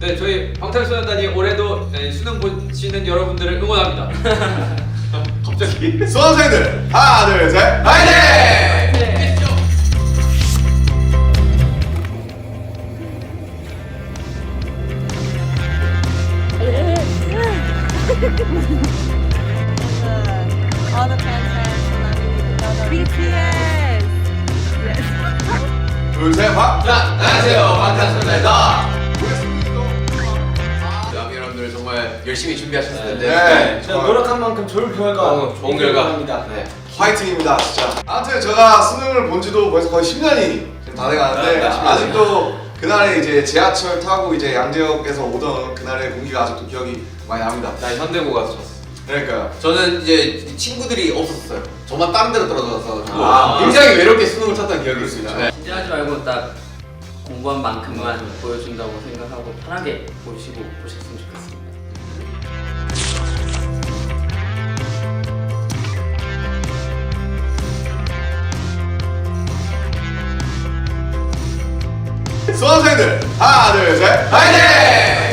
네, 저희 방탄소년단이 올해도 수능 보시는 여러분들을 응원합니다. 갑자기. 수험생들 하나 둘 셋 파이팅! All the fans BTS. 둘셋 안녕하세요, 방탄소년단입니다. 여러분들 정말 열심히 준비하셨을 텐데 네, 노력한 만큼 좋은 결과 좋은 결과 입니다. 네. 화이팅입니다 진짜. 아무튼 제가 수능을 본 지도 벌써 거의 10년이 다 돼가는데 네, 10년. 아직도 그날에 이제 지하철 타고 이제 양재역에서 오던 그날의 공기가 아직도 기억이 많이 납니다. 나 현대고 가서 쳤어. 그러니까요. 저는 이제 친구들이 없었어요. 저만 다른 데로 떨어져서 아, 굉장히 외롭게 수능을 쳤던 기억이 있습니다. 네. 긴장하지 말고 딱 공부한 만큼만 보여준다고 생각하고 편하게 보시고 보셨으면 좋겠습니다. 수험생들 하나 둘 셋 파이팅!